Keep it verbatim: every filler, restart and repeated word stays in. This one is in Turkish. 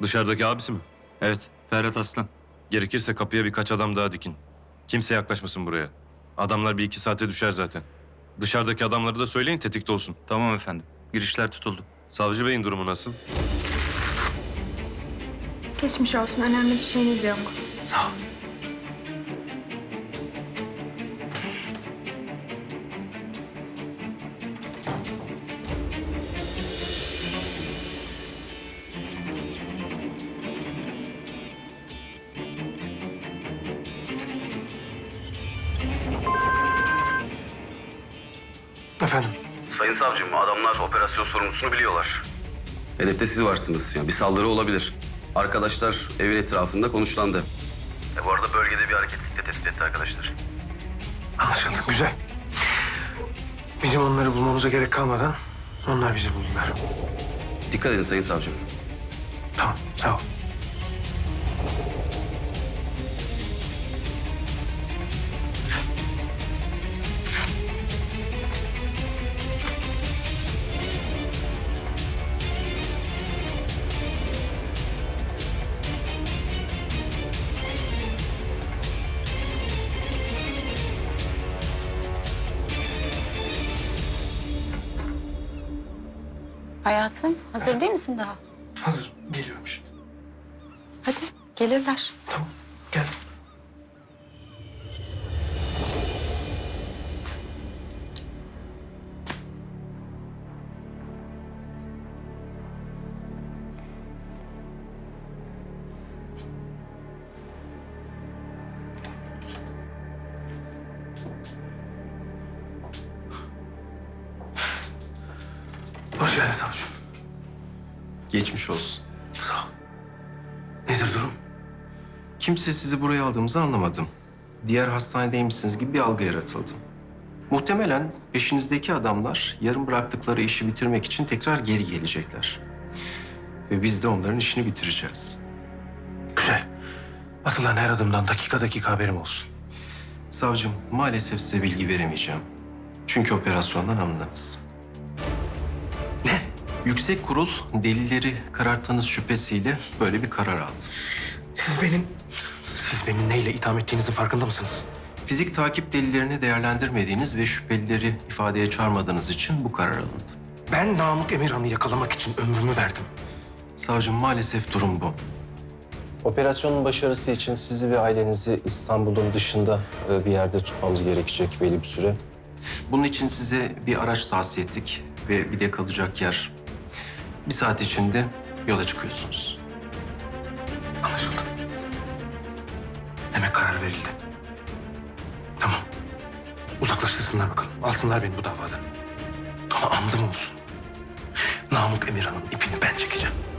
Dışarıdaki abisi mi? Evet, Ferhat Aslan. Gerekirse kapıya birkaç adam daha dikin. Kimse yaklaşmasın buraya. Adamlar bir iki saate düşer zaten. Dışarıdaki adamları da söyleyin tetikte olsun. Tamam efendim. Girişler tutuldu. Savcı Bey'in durumu nasıl? Geçmiş olsun. Önemli bir şeyiniz yok. Sağ ol. Efendim? Sayın savcım, adamlar operasyon sorumlusunu biliyorlar. Hedefte siz varsınız. Yani bir saldırı olabilir. Arkadaşlar evin etrafında konuşlandı. E bu arada bölgede bir hareketlilik de tespit etti arkadaşlar. Anlaşıldı. Güzel. Bizim onları bulmamıza gerek kalmadan onlar bizi buldular. Dikkat edin sayın savcım. Tamam. Sağ ol. Hayatım, hazır değil misin daha? Hazır. Geliyorum şimdi. Hadi, gelirler. Tamam. Geldim. Hoş geldin savcım. Geçmiş olsun. Sağ ol. Nedir durum? Kimse sizi buraya aldığımızı anlamadım. Diğer hastanedeymişsiniz gibi bir algı yaratıldı. Muhtemelen peşinizdeki adamlar yarım bıraktıkları işi bitirmek için tekrar geri gelecekler. Ve biz de onların işini bitireceğiz. Güzel. Atılan her adımdan dakika dakika haberim olsun. Savcım, maalesef size bilgi veremeyeceğim. Çünkü operasyondan alındınız. Ne? Yüksek Kurul delilleri kararttığınız şüphesiyle böyle bir karar aldı. Siz benim... Siz beni neyle itham ettiğinizin farkında mısınız? Fizik takip delillerini değerlendirmediğiniz ve şüphelileri ifadeye çağırmadığınız için bu karar alındı. Ben Namık Emirhan'ı yakalamak için ömrümü verdim. Savcım, maalesef durum bu. Operasyonun başarısı için sizi ve ailenizi İstanbul'un dışında bir yerde tutmamız gerekecek belli bir süre. Bunun için size bir araç tahsis ettik ve bir de kalacak yer. Bir saat içinde yola çıkıyorsunuz. Anlaşıldı. Demek karar verildi. Tamam. Uzaklaştırsınlar bakalım. Alsınlar beni bu davadan. Ama andım olsun. Namık Emirhan'ın ipini ben çekeceğim.